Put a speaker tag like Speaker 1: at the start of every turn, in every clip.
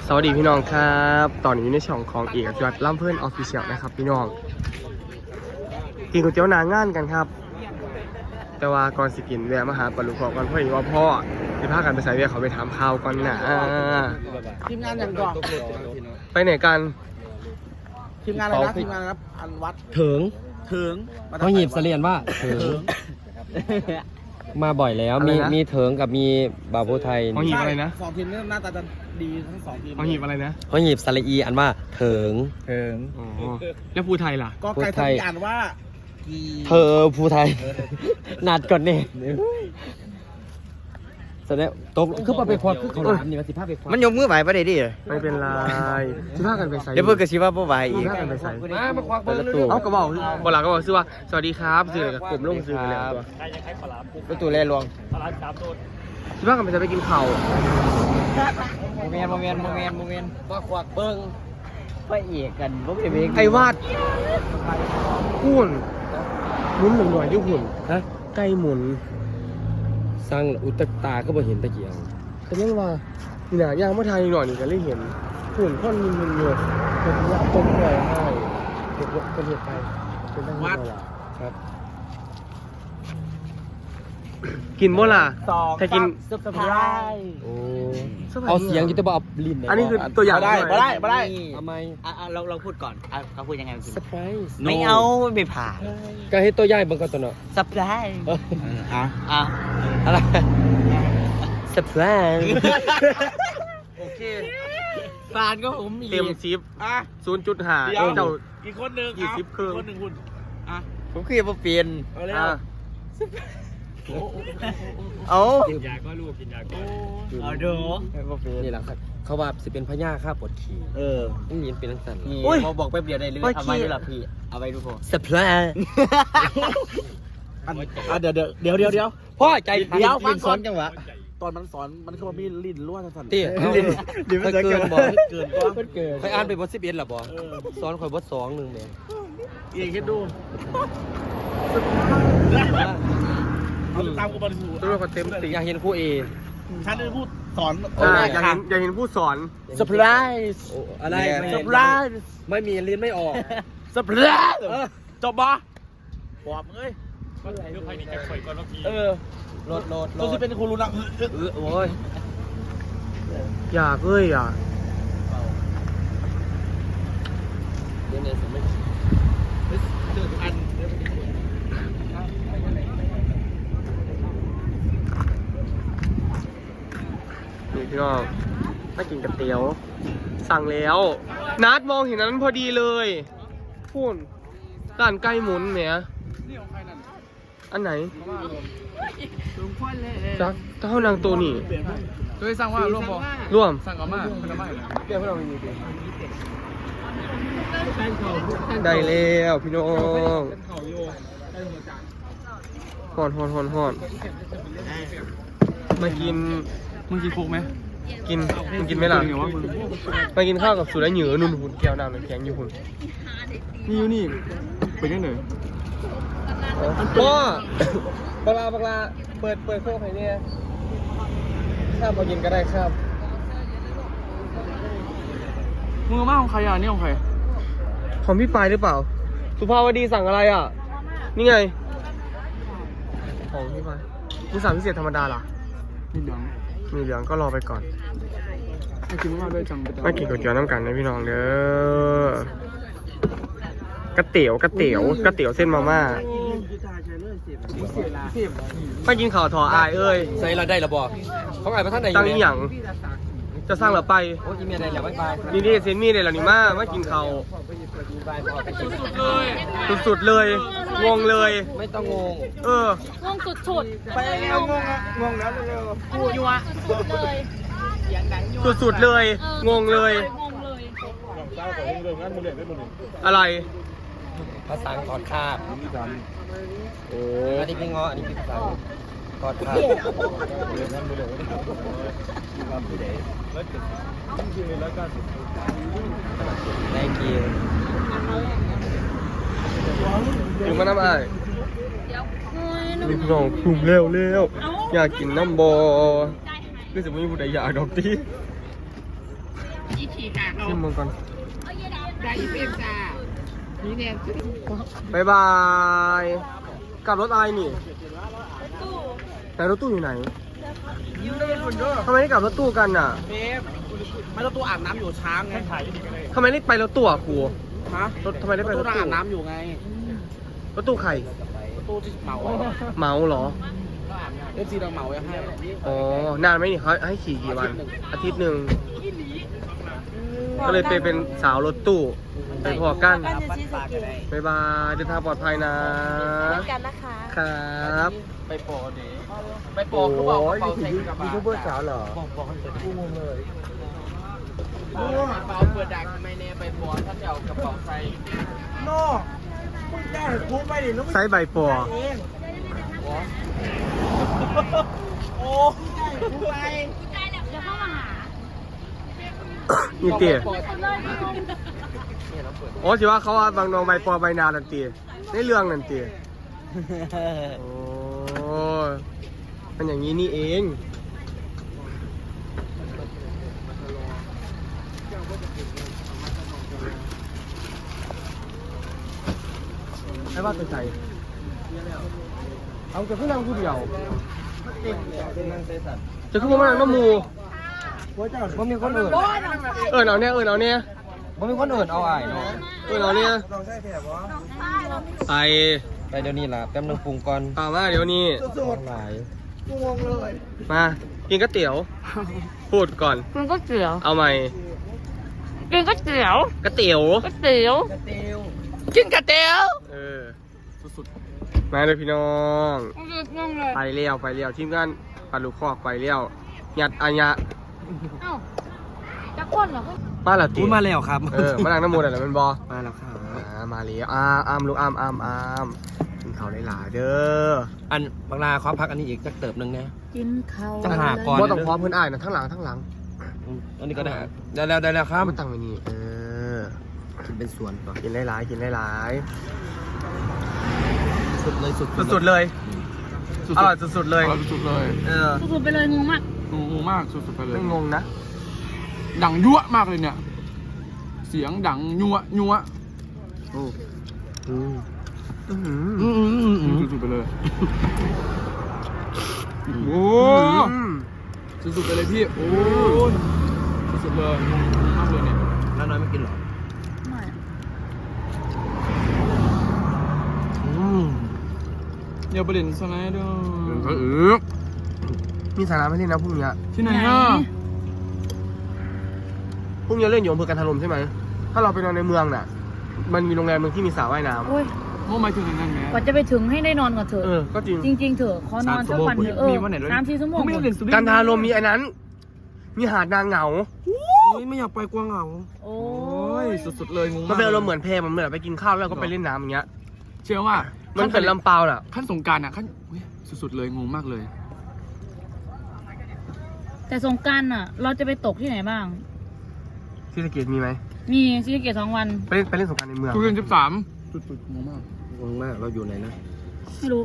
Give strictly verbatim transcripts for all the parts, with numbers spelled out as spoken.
Speaker 1: สวัสดีพี่น้องครับตอนนี้อยู่ในช่องของเอกยอดล่ำเพื่อนออฟฟิเชียลนะครับพี่น้องกินก๋วยเตี๋ยวหนางานกันครับแต่ว่าก่อนสิกินแวะมาหาปลาลูกพ่อก่อนเพราะว่าพ่อจะพากันไปใส่เวียเขาไปถามข่าวก่อนนะ
Speaker 2: ทีมงานอย่างก่อน
Speaker 1: ไปไหนกัน
Speaker 2: ทีมงานอะไรนะทีมงานนะครับอันวัด
Speaker 3: ถึง
Speaker 2: ถึง
Speaker 3: เขาหยิบเสลียนว่าถึงมาบ่อยแล้วมีมีเถิงกับมีบาบูไทย
Speaker 1: เขาหยิบอะไรนะ
Speaker 2: สองทีมนี้หน้าตาจะดีทั้งสองทีม
Speaker 1: เขาหยิบอะไรนะ
Speaker 3: เขาหยิบสลีอันว่าเถิง
Speaker 1: เถิงอ๋อแล้วภูไทยล่ะ
Speaker 2: ก็ไก่ทำอ่านว่ากี
Speaker 3: เธอภูไทยนัดก่อนเนี่ยแสดงตกคือมาไปควาคือเขาหลามนี่มาสิภาพไปควา
Speaker 4: มันยกมือไหวประเดี๋ยวดิ
Speaker 1: ไม่เป็นไรจะพากันไปใส่
Speaker 4: เดี๋ยวเพิ่งกระชิบว่าบ่ไหวอีก
Speaker 1: จะพากันไปใส่
Speaker 3: มามาควาเปิดประตู
Speaker 1: เอากระบอกบอลาก็บอกซื้อว่าสวัสดีครับซื้อกับกลุ่มลงซื้อเลยตัว
Speaker 4: ประตูแร่ลวง
Speaker 1: คิดว่ากันไปจะไปกินข้าว
Speaker 4: โมเมนต์โมเมนต์โมเมนต์โมเมนต์
Speaker 3: มาควาเบิ้ง
Speaker 4: ไปเอกกันบ่เป็นเวก
Speaker 1: ไอ้วาดหุ่นหมุนหนึ่งหน่อยที่หุ่น
Speaker 3: ฮะ
Speaker 1: ไก่หมุน
Speaker 3: สร้างอุตตาก็บ่เห็นตะเกียง
Speaker 1: แต่ยังว่านี่นะย่างมาไทยหน่อยนี่ก็เลยเห็นหุ่นค่อนมินมินเลยเป็นยาต้มเลยให้เด็กเป็นเหตุไปเป็นตั้งวัดครับ กินบ่ล่ะ
Speaker 2: สอง
Speaker 1: ถ้ากิน
Speaker 2: เซอร์ไพรส์
Speaker 3: โอ้เอาเสียงอยู่แต่บ่เอาลิ้น
Speaker 1: อันนี้คือตัวอย่าง
Speaker 2: ได้ไม่ได้ไม่ได้
Speaker 3: ทำไม
Speaker 4: อ่ะเราเราพูดก่อนอ่ะเขาพูดยังไง
Speaker 3: เซอร์ไพรส์
Speaker 4: ไม่เอาไม่ผ่าน
Speaker 3: ก็ให้ตัวใหญ่เบิ่งก่อนตัวเนาะ
Speaker 4: สับไพรส์
Speaker 2: อ่ะ
Speaker 4: อ่ะ
Speaker 3: อะไรเซอร์ไพรส์
Speaker 4: โอเคฟานก็ผมอีก
Speaker 1: เต็มซิป
Speaker 2: อ่ะ
Speaker 1: ศูนย์จุดห้า
Speaker 2: เดี๋ยว
Speaker 1: เจ้า
Speaker 2: อีกคนหนึ่ง
Speaker 1: ยี่สิบครึ่ง
Speaker 2: คนหนึ่งคุณอ่ะ
Speaker 4: ผมคือบ่เปลี่ยน
Speaker 2: เอาเร็ว
Speaker 1: อ่ะ
Speaker 4: เอา
Speaker 3: กินยาก็ลูกกินยาก็
Speaker 4: เอาดูบ่เปลี่ยน
Speaker 3: นี่แหละครับเขาว่าสิเป็นพญาค่าปวดขี่
Speaker 4: เออ
Speaker 3: นี่ยินเป็นลักษณะ
Speaker 4: นี่
Speaker 1: อุ้ย
Speaker 4: พอบอกแป๊บเดียวได้เลยเอาไว้ดูล่ะพี่เอาไว้ดูพอ
Speaker 3: เซอร์ไพรส์
Speaker 2: อันอ่ะเดี๋ยวเดี๋ยวเดี๋ยวเดี๋ยวเดี๋ยว
Speaker 3: พ่อใจ
Speaker 4: เดี๋ยวฟังก่อนจังหวะ
Speaker 2: ตอนมันสอนมันคือว่ามีลิ้นล้วนสั่น
Speaker 3: เตี้ย
Speaker 2: ลิ้น
Speaker 3: ถ้าเกินบ่
Speaker 2: เกินก็
Speaker 3: เกินใครอ่านไปบทสิบเอ็ดหรอบ่สอนข่อยบทสองหนึ่งเนี่ย
Speaker 2: เองคิดดูเอาตามกูมาดู
Speaker 1: ตัวก็เต็มสี
Speaker 3: อยากเห็นครูเอ
Speaker 2: ฉันจะพูดสอน
Speaker 1: อ่าอยากเห็นอยากเห็นผู้สอน
Speaker 2: เซอร์ไพรส์
Speaker 3: อะไร
Speaker 2: เซอร์ไพรส์
Speaker 3: ไม่มีลิ้นไม่ออก
Speaker 2: เซอร์ไพรส์จบปะปอบเอ้ยเออ
Speaker 3: โหลดโหลดโหล
Speaker 2: ตัว
Speaker 3: ด
Speaker 2: ที่เป็นครูรู้นะ
Speaker 3: เออโอ้ย
Speaker 1: อยากเอ้ยอยาก
Speaker 3: เดี๋ยวเนี่ยสมัย
Speaker 2: อัน
Speaker 1: นี่พี่น้องมากินกับเตี๋ยว สั่งแล้ว นัดมองเห็นนั้นพอดีเลยพูนร้านไก่หมุนเนี่ยอันไหนจักเท่านางตัวนี่
Speaker 2: เคยสั่งว่าร่วมบ่
Speaker 1: ร่วม
Speaker 2: สั่งออกมาเป็นทำไม
Speaker 1: เดี๋ยวพวกเรามีได้แล้วพี่น้องหอนหอนหอนหอนมากิน
Speaker 2: มึงกินคุกไหม
Speaker 1: กินมึงกินไหมล่ะมากินข้าวกับสุดแล้วเหนือนุ่นหุ่นแก้วน้ำน้ำแข็งอยู่หุ่น
Speaker 2: นี่อยู่นี่เป็นยังไง
Speaker 1: พ่อปลาปลาเปิดเปิดโค้กให้เนี่ยข้าวมากินก็ได้ครับ
Speaker 2: มึงมาของใครอ่ะนี่ของใคร
Speaker 1: ของพี่ปายหรือเปล่า สุภาวดีสั่งอะไรอ่ะ นี่ไง ของพี่ปายมึงสั่งพิเศษธรรมดาล่ะ
Speaker 2: นี่เดี๋ยว
Speaker 1: มีเหลืองก็รอไปก่อน
Speaker 2: ให้กินมาด้วยจัง
Speaker 1: มากินก๋วยเตี๋ยวน้ำกันนะพี่น้องเด้อกระเตี๋ยวกระเตี๋ยวกระเตี๋ยวเส้นมาม่าไปกินข่าวถออายเอ้ย
Speaker 3: ใส่เราได้หรอบ่เขาอ่านมาท่านไหนอ
Speaker 1: ตั้ง
Speaker 3: ยู่
Speaker 1: อีหยังจะสร้างหรือไป
Speaker 3: โอ้ยมีอะไรแล้วไม่ไป
Speaker 1: นี่นี่เซนมี่เลยเหรอนี่มามากินข่าวสุดๆเลย งงเลย
Speaker 3: ไม่ต้องงง
Speaker 1: เออ
Speaker 5: งงสุดๆ
Speaker 2: ไปแล้วงงอ่ะงงแล้วเร็ว
Speaker 5: พูดอยู่อะสุดๆเลย
Speaker 1: สุดๆเลย งงเลย
Speaker 5: งงเลย
Speaker 2: เจ้าของเรื่องนั้นมึงเรียนได้หมดเลย
Speaker 1: อะไร
Speaker 3: ภาษาถอดคาบ
Speaker 2: นี่จ
Speaker 3: โอ้อันนี้พี่ง้ออันนี้พี่ภาษาถอดคาบ
Speaker 2: ำเรียนนั้นมึงเรียนได้ทำผู้ใดแล้วจะต้องยืนแล้วก็
Speaker 3: ได้กิน
Speaker 1: ถึงมาน้ำอาย
Speaker 5: โอ้ยหนู
Speaker 1: นี่พี่น้องกลุ่มเร็วเร็วอยากกินน้ำบอคือสมมติผู้ใดอยากดอกตี
Speaker 4: ขี่ขาเขา
Speaker 1: ชิมมึงก่อน
Speaker 4: ได้อีเป็นจ้านี่เนี่ย
Speaker 1: บายบายกลับรถอะไรนี่แต่รถตู้อยู่ไหนทำไมไม่กลับรถตู้กันน่ะ
Speaker 4: เบฟไม่ต้องตู้อาบน้ำอยู่ช้างไง
Speaker 1: ทำไมไม่ไปรถตู้อ่ะครู
Speaker 4: ฮะ
Speaker 1: รถทำไมได้ไปรถ
Speaker 4: ตู้
Speaker 1: ตู้
Speaker 4: อาบน้ำอยู่ไง
Speaker 1: รถตู้ใคร
Speaker 4: ตู้ที่เหมา
Speaker 1: เมาเหรอ
Speaker 4: เอฟซีเราเหมาไว้ให้
Speaker 1: อ๋อนานไหมนี่เขาให้ขี่กี่วัน อาทิตย์หนึ่งก็เลยไปเป็นสาวรถตู้ไปพอกันบายบายเดินทางปลอดภัยนะ
Speaker 5: กันนะคะ
Speaker 1: ครับ
Speaker 4: ไปปอดีไปปอเขาบอกกระเป๋าใส่กระ
Speaker 1: ยู
Speaker 4: เป๋า
Speaker 1: ทูบเบอร์สาวเหรอ
Speaker 4: กระเป๋าเปิดดังทำไมเนี่ยไปปอท่านจะเอากระเป๋าใส่
Speaker 1: ไซส์ใบปอ
Speaker 4: โอ้
Speaker 5: เดี๋ยวเข้ามาหา
Speaker 1: นี่เตี๋ยโอ้สิว่าเขาว่าบางนองใบปอใบนานันเตี๋ยในเรื่องนันเตี๋ยโอ้มันอย่างนี้นี่เองไอ้ว่าเป็นใครเอาจะขึ้นนั่งผู้เดียวจะขึ้นมานั่งน้ำมู
Speaker 3: บ่มีคนอื่น
Speaker 1: เออเอาเนี่ยเออเอาเนี่ย
Speaker 3: บ่มีคนอื่นเอาอ้ายเนาะ
Speaker 1: เออเอาเนี่ยไป
Speaker 3: ไปเดี๋ยวนี้ล่ะแป๊บนึงปรุงก่อน
Speaker 1: เอามาเดี๋ยวนี้
Speaker 3: หลาย
Speaker 1: มากินก๋วยเตี๋ยว พูดก่อน
Speaker 5: กินก๋วยเตี๋ยว
Speaker 1: เอาใหม่
Speaker 5: กินก๋วยเตี๋ยว
Speaker 1: ก๋วยเตี๋ยว
Speaker 5: ก๋วยเตี๋ยว
Speaker 4: กินกระเตียว
Speaker 1: เออสุดๆมาเลยพี่น้อง
Speaker 5: งงเลย
Speaker 1: ไปเลี้ยวไปเลี้ยวทีมงานปลาลูกคอกไปเลี้ยวยัดอัญญะ
Speaker 5: เอ้าจะคนเหรอ
Speaker 1: มาและตี
Speaker 3: พูดมาแล้วครับ
Speaker 1: เออมาล้างน้ำมูดอะไรมันบอ
Speaker 3: มาแล้วครับ
Speaker 1: อ่ามาเลี้ยวอามอามลูกอามอามอามกินข้าวได้หลายเด้อ
Speaker 3: อันบางนาขอพักอันนี้อีกจักเติบหนึงนะ
Speaker 5: กินข้าว
Speaker 3: จะหาก่อน
Speaker 1: บ่ต้องพร้อมเพื่อนอ้ายนะทั้งหลังทั้งหลัง
Speaker 3: อืมอันนี้ก็ได้ได้แล้วได้แล้วครับ
Speaker 1: มันตั้งไว้นี่เออ
Speaker 3: กินเป็นส่วนก่อน
Speaker 1: กินได้หลายกินได้หลาย
Speaker 3: สุดเลยสุด
Speaker 1: สุดๆเลยอร่อยสุดๆเลย
Speaker 2: สุดเลย
Speaker 1: เออ
Speaker 5: สุดๆไปเลยงงมาก
Speaker 2: งงมากสุดๆไปเลย
Speaker 1: ไม่งงนะ
Speaker 2: ดังยั่วมากเลยเนี่ย เสียงดังยั่วยั่ว
Speaker 1: โอ้อืมอืม
Speaker 3: อืมอืมอืมอืม
Speaker 2: สุดๆไปเลยโอ้
Speaker 1: อืม
Speaker 2: สุดๆไปเลยพี่โอ้สุดๆเลยมากเลยเนี่ย
Speaker 3: น้าน้อยไม่กินหรอ
Speaker 5: ไม่
Speaker 3: อืม
Speaker 2: เดี๋ยวประเด็นสไลด์ด้วย
Speaker 1: ก็อือมีสาระไม่เล่นนะพรุ่งนี้
Speaker 2: ที่ไหนอ่ะ
Speaker 1: พรุ่งนี้เล่นอยู่อำเภอกันทลมใช่ไหมถ้าเราไปนอนในเมืองน่ะ มันมีโรงแรมหนึงที่มีสระว่ายน้
Speaker 5: โอ้ย
Speaker 2: โอ้หมายถึงอย่างนั้นไหม
Speaker 5: กว่าจะไปถึงให้ได้นอนก่อนเถ
Speaker 1: ำ
Speaker 5: อะ
Speaker 1: เออก็จริง
Speaker 5: จริง ๆ เถอะขอนอนสักวันเถอะเออสามสี่ชั่วโมง
Speaker 2: ไม่ได้เล่นสุด
Speaker 1: กันทาลมมีอันนั้น มีหาดนางเหงา
Speaker 3: อุ๊ยไม่อยากไปกวางเหงา
Speaker 5: โอ้
Speaker 2: โอ้ยสุดๆเลยงง
Speaker 1: มันเป็นอารมณ์เหมือนเพลมันเหมือนไปกินข้าวแล้วก็ไปเล่นน้ำอย่างเงี้ย
Speaker 2: เชื่อว่า
Speaker 1: มันเป็นลำเปล่าน่ะ
Speaker 2: ขั้นสงกรารอ่ะขั้นอุ๊ยสุดๆเลยงงมากเลย
Speaker 5: แต่สงกรานต์อ่ะ เราจะไปตกที่ไหนบ้าง
Speaker 1: ที่สะเกตมีไหม
Speaker 5: มีซีเกตสองวัน
Speaker 1: ไปเล่นไปเล่นสงกรารในเมือง
Speaker 2: ทุเรียนสิบสามสุดๆงงมาก
Speaker 3: งงมากเราอยู่ไหนนะ
Speaker 5: ไม่รู้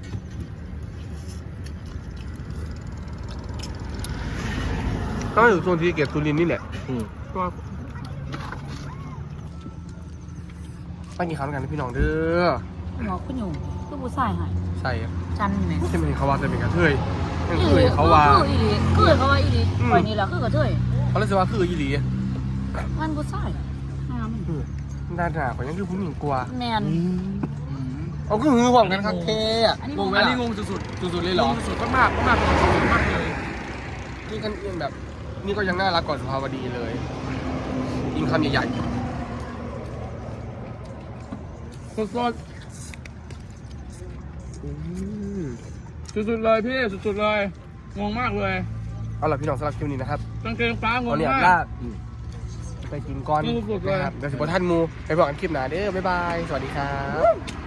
Speaker 1: ก็อยู่โซนที่สะเกตสุรินทร์นี่แหละ
Speaker 3: อืม
Speaker 2: ก็
Speaker 1: ไปกินข้าวกันนะพี่น้องเด้อ
Speaker 5: หมอขึ้นอยู่คือผู้ชายหาย
Speaker 1: ใส่
Speaker 5: จันไหน
Speaker 1: ใช่ไหมเขาว่าจะเป็นกระเทยนั่นคือเขาว่า
Speaker 5: คืออีหลีคือเขาว่าอีหลี
Speaker 1: อืม
Speaker 5: คอยนี่แหละคือกระเทย
Speaker 1: เขาเลยจะว่าคืออีหลี
Speaker 5: มันผู้ชายงาม
Speaker 1: อืมด้านหน้าก็ยังคือผู้หญิงกลัว
Speaker 5: แมน
Speaker 1: เอาคือหือหวังกันครับเทอ่ะ
Speaker 5: อันนี้
Speaker 1: งงไหม
Speaker 2: อัน
Speaker 1: ล่ะ
Speaker 2: นี้งงสุด
Speaker 1: สุดๆเลย
Speaker 2: ๆ
Speaker 1: เหรอ
Speaker 2: งงสุดๆมากๆมากๆมากเลย
Speaker 1: นี่กันเองแบบ นี่ก็ยังน่ารักกว่าสุภาวดีเลยกินคำใหญ่
Speaker 2: สุด
Speaker 1: ๆอืม
Speaker 2: ๆสุดๆเลยพี่สุดๆเลยงงมากเลย
Speaker 1: เอาล่ะพี่น้องสำหรับคลิปนี้นะครับ
Speaker 2: กางเกงฟ้างง
Speaker 1: ตอนนี้
Speaker 2: มา
Speaker 1: ลาก ไปกินก้อน
Speaker 2: สุดๆเลย
Speaker 1: นะครับเดี๋ยวสิบท่านมูไปบอกกันคลิปหน้าเด้อบ๊ายบาย สวัสดีครับ